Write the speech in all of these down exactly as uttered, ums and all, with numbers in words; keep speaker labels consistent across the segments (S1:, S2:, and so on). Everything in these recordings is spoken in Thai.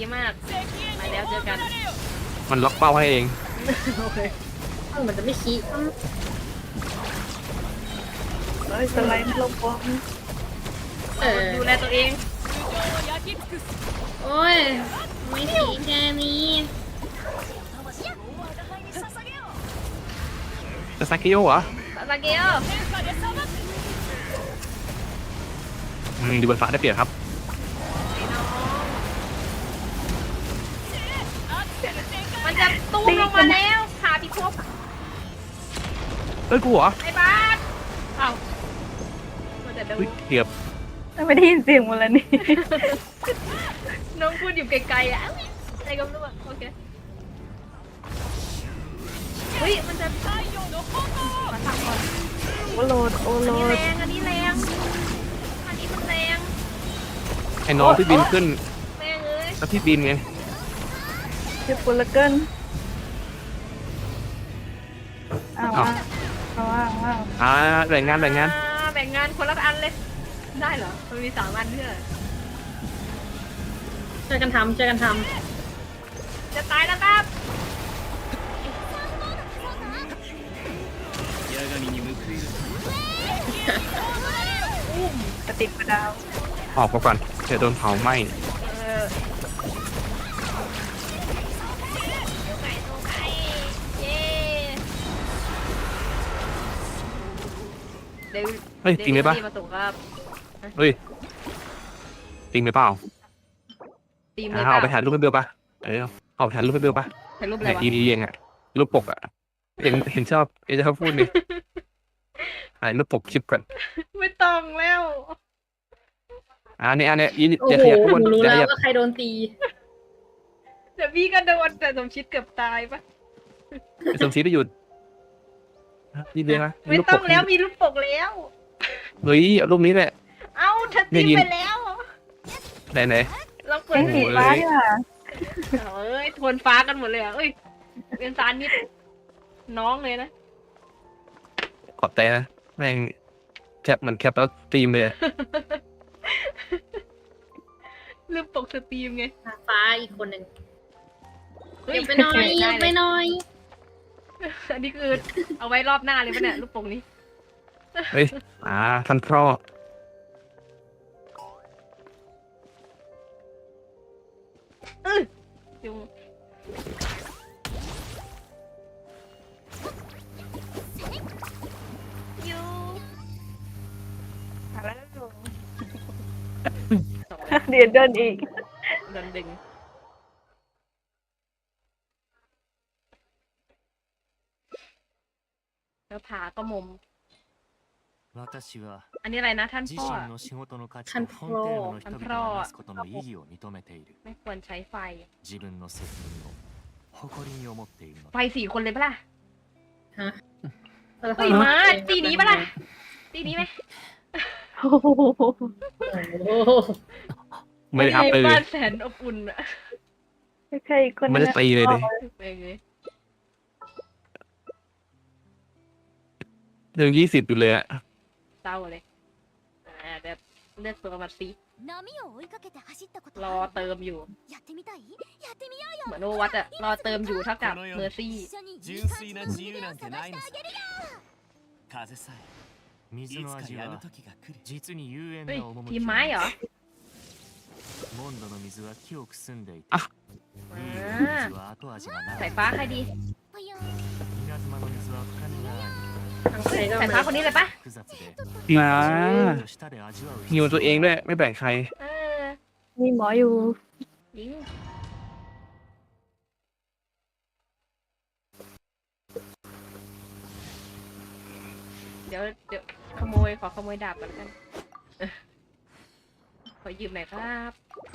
S1: มากไปแล้วเจอกัน
S2: มันล็อกเป้าให้เอง
S1: โอเคมันจะไม่ชี้
S3: เฮ้ยสไลด์ลงบอล
S1: เออดูแลตัวเองโอ้ยไม่ชี้แค่นี้
S2: จะซากิโยเหรอ
S1: ซาเกโย
S2: อืมดูบนฟ้าได้เปรียบครับ
S1: มันจะตุ้มลงมาแล้วขาพิภพ
S2: เอ้ยกูเหรอ
S1: ไอ้บ้านเอ้ามันจะดู
S2: เกือบ
S3: ไม่ได้ยินเสียงมันแล้วนี่
S1: น้องพูดอยู่ไกลๆอ่ะอะไรก็ไม่รู้โอเคเฮ้ยมันจะมาสั่งก่อน
S3: โอโลดโอโลด
S1: อันนี้แรงอันนี้แรงอันนี้มันแรง
S2: ไอ้น้องพี่บินขึ้น
S1: แรงเลย
S2: แล้วพี่บินไง
S3: เจ็บปวดเหลือเกินอ้าวอ้าวอ้าวอ้าว
S2: อ่าแบ่งงานแบ่งงาน
S1: แบ่งงานคนละอันเลยได้เหรอมันมีสามอันเพื่อช่วยกันทำช่วยกันทำจะตายแล้วครับ
S3: กระติกกระดาว
S2: ออกมาก่อนเดี๋ยวโดนเผาไหม้เฮ้ยจริงไหมปะเฮ้ยจริงไหมเปล่า
S1: ตีม
S2: เลยเอาไปถ่ายรูปให้เบลปะเออเอาไปถ่ายรูปให้เบลปะ
S1: ถ่ายรูปอะไรวะ
S2: อีดีเองอะรูปปกอะเห็นเห็นชอบเอจะชอบพูดนี่ถ่ายรูปปกคลิปก่อน
S1: ไม่ต้องแล้ว
S2: อันนี้อันนี้ยิน
S1: เดี๋ยวขยับทุกคนรู้แล้วว่าใครโดนตีเดี๋ยวพี่ก็โดนแต่สมชิดเกือบตายปะ
S2: สมชิดไปหยุดนี่เลยนะ
S1: ไม่ต้องแล้วมีรูปปกแล้ว
S2: เฮ้ยเอารูปนี้แหละ
S1: เอ้าเธอตีไปแล้ว
S2: ไหนไหน
S1: เราเปิด
S3: สีฟ้าเนี่ย
S1: เอ้ยทวนฟ้ากันหมดเลยอ่ะเอ้ยเป็นสารนิดน้องเลยนะ
S2: ขอบใจนะแม่งแคปมันแคปแล้วสตรีมเลย
S1: รูปปกสตรีมไง
S4: ฟ้าอีกคนหนึ่งหยิบไปหน่อยหยิบไปหน่อย
S1: อันนี้คือเอาไว้รอบหน้าเลยปะเนี่ยรูปปกนี้
S2: เฮ้ยอ่าท่านพ่อ
S1: เออยุงยู
S3: แล้วเดี๋ยวเดินอีก
S1: เดินดึงแล้วผาก็มุมอันนี้อะไรนะท่านพ่อท่านพ่อท่านพ่อไม่ควรใช้ไฟไฟสี่คนเลยปะล่ะ
S4: ฮะ
S1: เฮ้ยมาตีนี้ปะล่ะตีนี้ไหม
S2: ไม่ได้ครับเลย
S1: บ้านแสนอบอุ่นอะ
S3: ไม่ใช่คน
S2: ไม่ได้ตีเลยดิเรื่องยี่สิบอยู่เลยอะ
S1: เศร้าเลยอ่าแบบเลือกตัวมาสิรอเติมอยู่เหมือนโอวัตอะรอเติมอยู่เท่ากับเมอร์ซี่ทีมไม้เหรออ่ะสายฟ้าใครดีสายฟ้าคนนี้เลยปะ
S2: นะหิวตัวเองด้วยไม่แบ่งใคร
S3: มีหมออยู่
S1: ยิงเดี๋ยวเดี๋ยวขโมยขอขโมยดาบกันกันขอยืมหน่อยครับ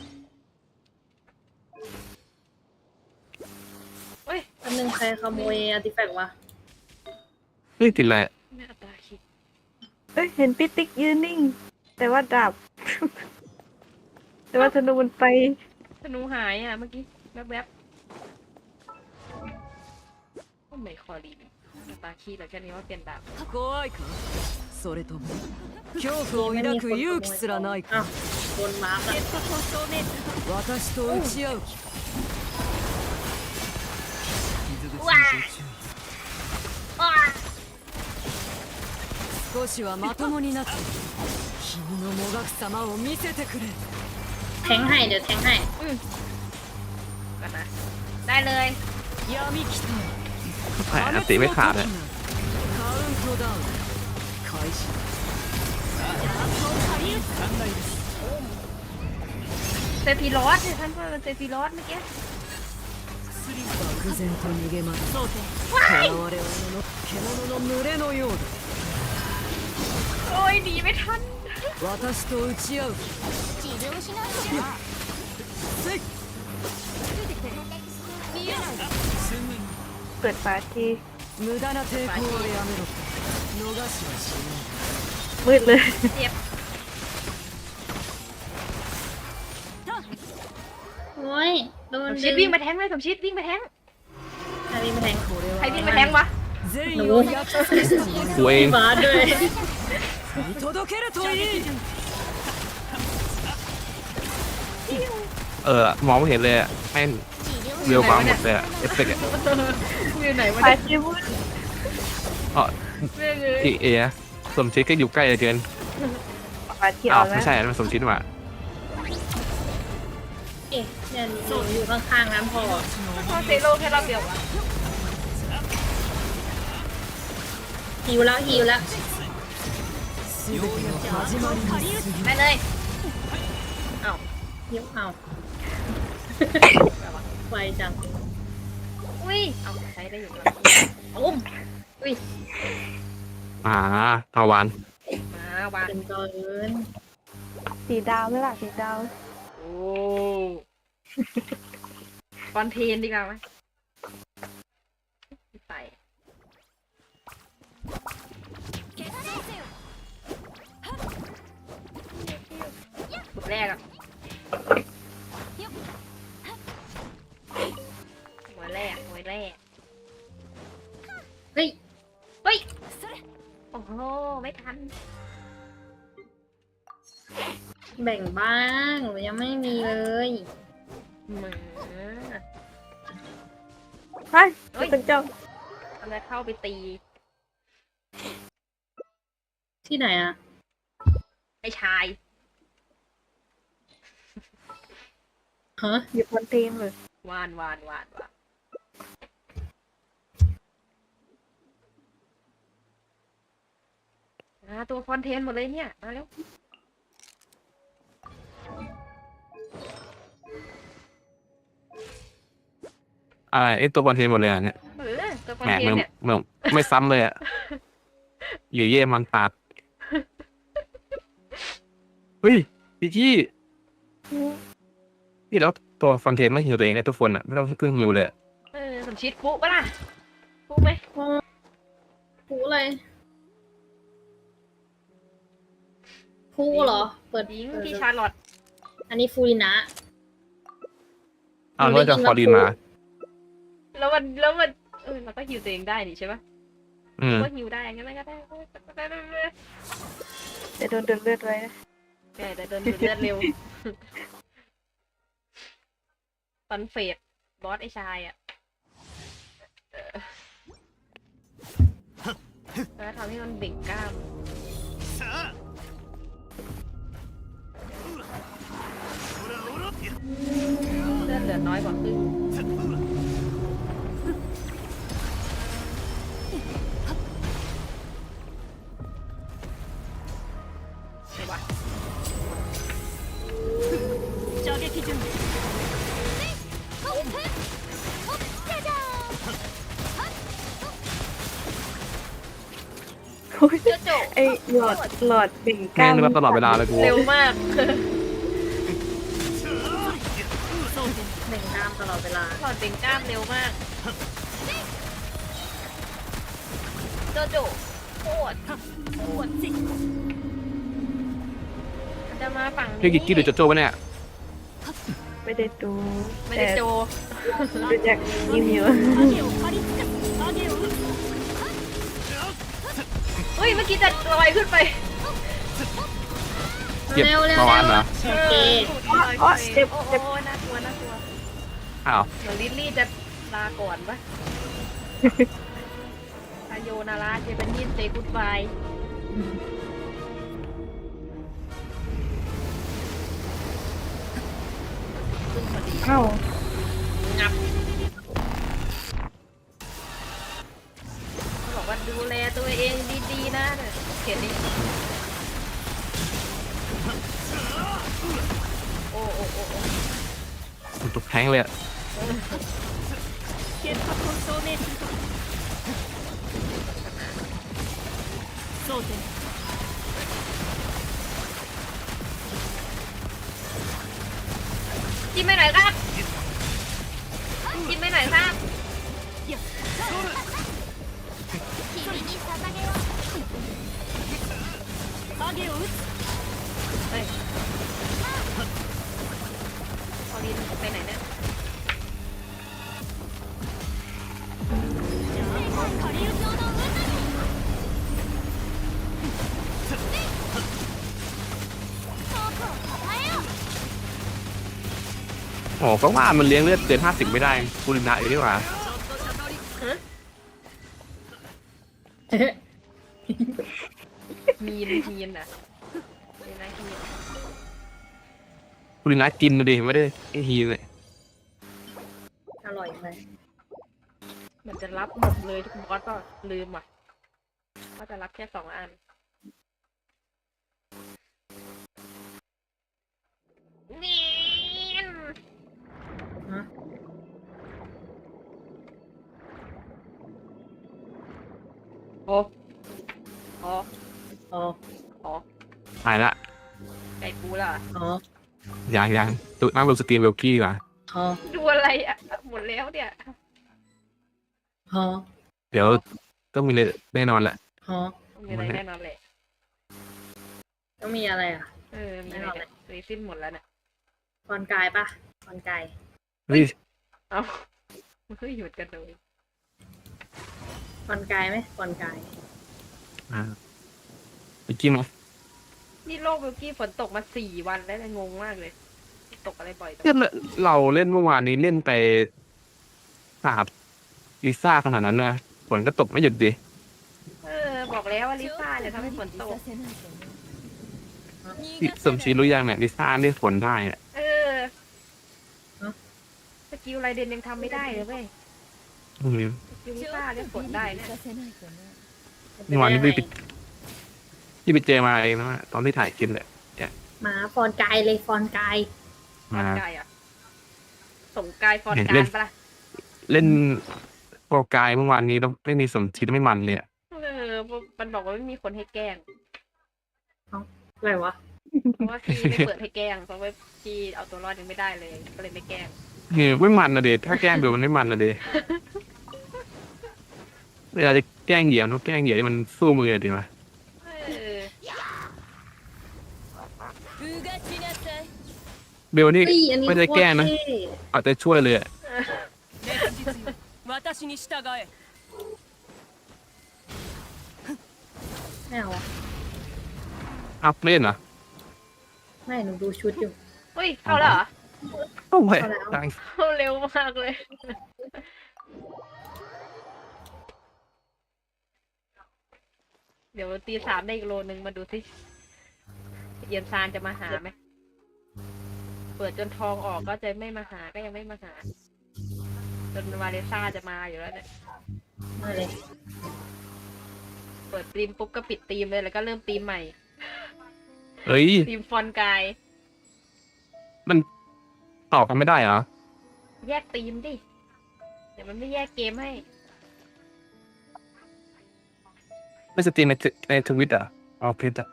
S4: เฮ้ยอันนึงใครขโมยอาร์ติแฟกต์วะ
S2: เฮ้ยติดแหละ
S1: ไม่อัตราคิด
S3: เอ้ยเห็นปิ๊ติ๊กยืนนิ่งแต่ว่าดาบแต่ว่าธนูมันไป
S1: ธนูหายอ่ะเมื่อกี้แวบๆโอ้ไม่คอรีอัตราคิดแล้วแค่นี้ว่าเปลี่ยนดาบ
S5: それとも恐怖を抱く勇気すらないか
S4: บนมาร์กอะ
S5: 私と打ち合う気
S1: ว้าว้า
S5: 少しはまともになって君のもがく様を見せてくれ
S4: แทงให้เดี๋ยวแทงให้
S1: กันนะได้เลย
S5: 闇来た
S2: แหมอันติไม่ขาดเลย
S5: カウントダウン開始
S1: เซฟิรอสเนี่ยท่านว่ามันเซฟิรอสเมื่อกี้
S5: 漠然と逃げ惑う現れ者の獣の群れのようだ
S1: โอ้ยหนีไม่ทัน
S5: 私と打ち合う気
S3: 治療しないと
S5: せい
S3: เปิดฝาที
S5: 無駄な抵抗はやめろ逃しはしない
S3: มืดเลย
S1: เจ็บ
S4: โอ้ยโด
S1: ส
S4: น
S1: มชิดวิ่งมาแทงเลยสมชิดวิ่งมาแทง
S4: ใครวิ่งมาแทง
S5: これ
S1: ใคร
S5: は
S1: วิ่งมาแทงวะ
S5: 善意を約束したもの
S2: ตัวเอง
S4: บาสด้วย
S5: 見届けるといい
S2: เออมองไม่เห็นเลยอะแม่งเร็วกว่าหมดเลยอะเอฟเฟกต์อะ
S1: อยู่ไหนวะ
S3: ฝา
S1: เนี่ย
S3: ทีมืด
S2: อ๋อ
S1: เรื่องเลย
S2: ที่เอสมชิดก็อยู่ใกล้เหลือเกิน
S3: ฝาที
S2: อ้า
S3: เอา
S2: ว
S3: แล้ว
S2: ไม่ใช่อันนั้นมันสมชิดว่ะ
S4: เอ๊ะเนี่ยหนูอยู่ข้างๆนั้นพอ
S1: พอเซโลแค่รอบเดียววะ
S4: หิวแล้วหิวแล้ว
S5: 全ての始まりに過ぎ
S1: ได้เลยเอ้า
S4: หิวเอาไวจัง
S1: อุ้ยเอาใช้ได้อยู่แล้วอุ้มอุ้ย
S2: อ่าทาวัน
S1: มาวาง
S4: เป็นเกิน
S3: สีดาวไหมล่ะสีดาว
S1: โอ้คอนเทนดีกว่าไหมใส่จุดแรกอะหัวแรกหัวแรก
S4: เฮ้ย
S1: เฮ้ยโอ้โหไม่ทัน
S4: แบ่งบ้างหนูยังไม่มีเลย
S1: เหมือ
S3: เฮ้ย
S1: เฮ้ย
S3: เป็นเจ้า
S1: ทำไมเข้าไปตี
S4: ที่ไหนอะ
S1: ไอ้ชาย
S4: ฮะ
S3: อยู่บนเตียงเลยว
S1: านวานวานวานอ่าตัวคอนเทนต์หมดเลยเนี่ย มาแล้ว
S2: อะไรไอตัวบอลเทนหมดเลยอะเนี่ย
S1: เออตัวคอน
S2: แหม
S1: เทน
S2: มึง
S1: ต์เนี่ย
S2: มึงไม่ซ้ำเลยอะอยู่เย่มันปาดเฮ้ยพี่จี้พี่แล้วตัวฟอนเทนไม่หิวตัวเองเลยทุกคนอะไม่ต้องพึ่งหิวเลยอะ
S1: เออสมชิดปุ๊ปะล่ะปุ๊ไหม
S4: พูเลยพูเหรอ เปิด
S1: ยิง
S4: เปิด
S1: พี่ชาร์ลอต
S4: อันนี้ฟูรินะ
S2: อ้าวแล้วจะฟอร์ดินมา
S1: แล้วมันแล้วมันเออเราก็ฮิวตัวเองได้นี่ใช่ปะ
S2: อืม
S1: ก็ฮิวได้งั้นก็ได้ก็ได้ได้ได้
S3: จะโดนเดินเลือดไว้นะ
S1: ได้แต่เดินดูดเลือดเร็วตอนเฟดบอสไอชายอ่ะเออแล้วทำให้มันเบ่งกล้ามเลือดเหลือน้อยกว่าครึ่งใช่ปะ
S5: 射撃準備
S3: โอ้ย
S1: เจ้าโจ
S3: ไอหลอดหลอดเบ่งก
S2: แม่
S3: ล้าง ม
S2: นึกว่าตลอดเวลาเลยกู
S1: เร็วมาก
S4: แบ่งกล้ามตลอดเวลา
S1: ถอดเบ่งกล้ามเร็วมากโจโจโคตรโคตรสิมันจะมาฝั่งนี้
S2: พี่กิ๊กกี้หรือโจโจ้วะเนี่ย
S3: ไม่ได้ดู
S1: ไม่ได้โจ
S3: ดูจากยิมอยู่
S1: เฮ้ย เมื่อกี้จะลอยขึ้นไป
S2: เก็บ
S4: เร็วเร็ว
S2: ประมาณเหรอ
S4: โอเค
S3: อ๋อเจ็บ
S1: โอ้
S3: เจ็บ
S1: โอ้น่ากลัวน่ากลัว
S2: อ้าว
S1: เหมือนลิลลี่จะลาก่อนปะ อายโยนาราเจเป็นยินเซกุดบายขึ้นพอดี
S3: เอ้า
S1: งับเขาบอกว่าดูแลตัวเองดีๆนะเนี่ยเขียนดิโอ้โอ้โอ้โอ้
S2: มันตุกแท้งเลยอะ
S1: เขียนขอบคุณโซเนต
S5: 争点
S1: จิ้มไปหน่อยครับจิ้มไปหน่อยครับเฮ้ยพอลินไปไหนเนี่ย
S2: โอ้ก็ว่ามันเลี้ยงเลือดเกินห้าสิบไม่ได้กูรินะอยู่ดีกว่า
S1: มีนมีนอ่ะมีนะมีน
S2: กูรินะกินนะดิไม่ได้ไอ้ฮีเลย
S4: อร่อยไหม
S1: มันจะรับหมดเลยทุกบอสก็ลืมอ่ะว่าจะรับแค่สองอันมีน
S4: ฮะ
S1: โอ้โอ้
S4: อ๋อ
S1: โอ้
S2: หายละ
S1: ไก่ปูล่ะ
S4: อ๋อ
S2: ยังยังตุนั่งลงสตรีมเวลกี้ดีกว่า
S4: อ๋อ
S1: ดูอะไรอ่ะหมดแล้วเนี่ย
S4: อ๋อ
S2: เดี๋ยวต้องมีเลยแน่นอนแหละ
S4: อ๋อ
S1: มีอะไรแน่นอนแหละ
S4: ต้องมีอะไรอ่ะ
S1: เออมีอะไรเนี่ยรีสิ้นหมดแล้วเนี่ย
S4: ฟอนกายปะฟอนกาย
S2: เฮ้ย
S1: เอ้าเฮ้ยหยุดกันเลย
S4: ฟอนกายไหมฟอนกาย
S2: อ่าไปกินไหม
S1: นี่โลกเบลกี้ฝนตกมาสี่วันแล้วเนี่ยงงมากเลย ตกอะไรบ่อยจัง
S2: เล่นเราเล่นเมื่อวานนี้เล่นไปสาบลิซ่าขนาดนั้นนะฝนก็ตกไม่หยุดดิ
S1: เออบอกแล้วว่าลิซ่าเนี่ยทำให้ฝนตก
S2: ที่สมชีรู้ยังเนี่ยลิซ่าเรียกฝนได้เนี่ย
S1: เออสกิลไรเดนยังทำไม่ได้เลยเว้ย
S2: อืม
S1: สกิลลิซ่าเรียกฝนได้เนี่ย
S2: เมื่อวานนี้พี่ไปพี่ไปเจอมาเองนะตอนที่ถ่ายคลิปเลย
S4: หมาฟอนกายเลยฟอนกาย
S1: ฟอน
S2: มา
S1: กายอ่ะส่งกายฟอน
S2: เห็น
S1: กา
S2: เล่
S1: ร
S2: น
S1: ปะล่ะ
S2: เล่นโปรกายเมื่อวานนี้ต้องเล่นในสมชีไม่มันเลยอะ
S1: เออมันบอกว่าไม่มีคนให้แกล้ง
S4: อะไรวะ
S1: เพราะว่าพี่ไม่เปิดให้แกล้งเพราะว่าพี่เอาตัวรอดยังไม่ได้เลยก็เลยไม่แกล้ง
S2: เออไม่มันนะเดถ้าแกล้งเบลมันไม่มันนะเดเวลาจะแกล้งเหยียบต้องแกล้งเหยียบที่มันสู้มือดีมา
S1: เออ
S2: เบลนี่
S4: เฮ้ยอันนี้
S2: ไม่ได้แกล้งนะ
S4: โคตรเท่
S2: เอาแต่ช่วยเลยอะ
S5: 私に従え
S4: ไม่เอาอะ
S2: อัพเล่นเหรอ
S4: ไม่หนูดูชุดอยู่
S1: เฮ้ยเข้าแล้วเหรอ
S2: โอ้ย
S4: เอาแล้ว
S2: ดัง
S1: เข้าเร็วมากเลย เดี๋ยวตีสามได้อีกโลนึงมาดูสิเยียนซานจะมาหาไหมเปิดจนทองออกก็จะไม่มาหาก็ยังไม่มาหาจนวาเลซ่าจะมาอยู่แล้วเนี่ย
S4: มาเลย
S1: เปิดตีมปุ๊บก็ปิดตีมเลยแล้วก็เริ่มตีมใหม่
S2: เฮ้ย
S1: ตีมฟอนกาย
S2: มันต่อกันไม่ได้เหรอ
S1: แยกตีมดิเดี๋ยวมันไม่แยกเกมให้
S2: ไม่สตรีมในในทวิตอ่ะเอาเพจอ่ะ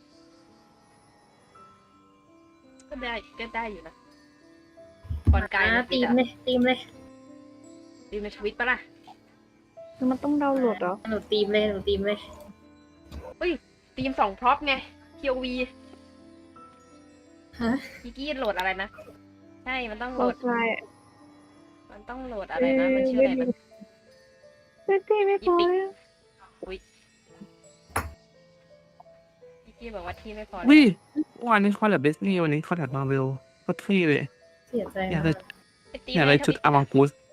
S1: ก็ได้ก็ได้อยู่นะฟอนกาย
S4: อ่ะ
S1: นะ
S4: ตีมเลยตีมเลย
S1: ตีมในทวิตปะล่ะ
S3: คือมันต้องดาวน์โหลดเหรอ
S4: หนูตีมเลยหนูตีมเลย
S1: ตีมสองพร็อพไง ที โอ วี
S4: ฮะ
S1: กิกกี้โหลดอะไรนะ ใช่ มันต้องโห
S3: โห
S1: ล
S3: ล
S1: ด
S3: ดไฟล์
S1: มันต้องโหลดอะไรนะ มันชื่ออะไรนะ
S3: ไม่พี่ไม่พอแล้ว
S1: กิกกี้บอกว่าที่ไม่พอ
S2: วิเมื่อวานนี้คอลแลบดิสนีย์วันนี้คอลแลบมาเวลก็เท่เลย
S4: เสียใจ
S2: อยาก
S4: มา
S2: จะ
S4: ก
S1: ไปตี
S2: อยาก
S1: แม่
S2: ได้
S1: ท
S2: ชุด
S1: วิต
S2: อามังกุส